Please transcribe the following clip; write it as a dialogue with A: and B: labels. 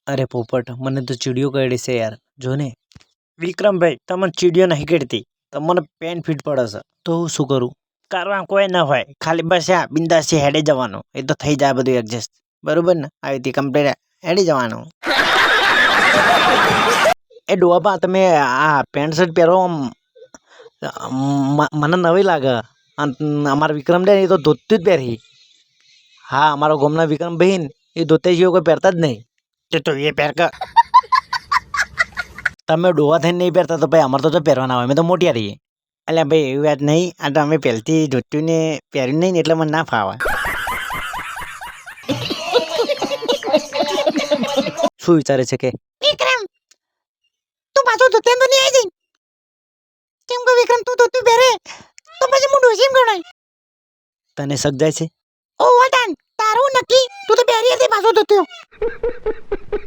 A: અરે પોપટ, મને તો ચીડિયો કરડી છે યાર. જો ને વિક્રમભાઈ, તમને ચીડિયો નહીં કરતી, તમને પેન ફીટ પડે છે. તો હું શું કરું? કરવા કોઈ ના હોય, ખાલી બસ આ બિંદાસથી હેડે જવાનું, એ તો થઈ જાય બધું એડજસ્ટ. બરોબર ને? આવી રીતે કમ્પ્લીટ હેડી જવાનું. એ ડોબા, તમે આ પેન્ટ શર્ટ પહેરો મને નવી લાગે. અમારા વિક્રમ ને એ તો ધોતી જ પહેરી. હા, અમારા ગામના વિક્રમભાઈ ને એ ધોતી જેવું કોઈ પહેરતા જ નહીં. તો એ પહેર કે તમે ડોવા થઈને નહીં પહેરતા તો ભાઈ અમારે તો પહેરવાના હોય, અમે તો મોટિયા રહીએ. એટલે ભાઈ એવી વાત નહીં, આ તો અમે પહેલથી ધોતીને પહેર્યું નહીં ને એટલે મને ના ફાવે. શું વિચારે છે કે
B: વિક્રમ તું પાછો ધોતી તો નહીં આવી જઈ? કેમ કે વિક્રમ તું ધોતી પહેરે તો પછી હું ડોસીમ ગણાય.
A: તને સક જાય છે?
B: ઓ વટાન તારું નક્કી, તું તો પહેરી હતી પાછો ધોત્યો.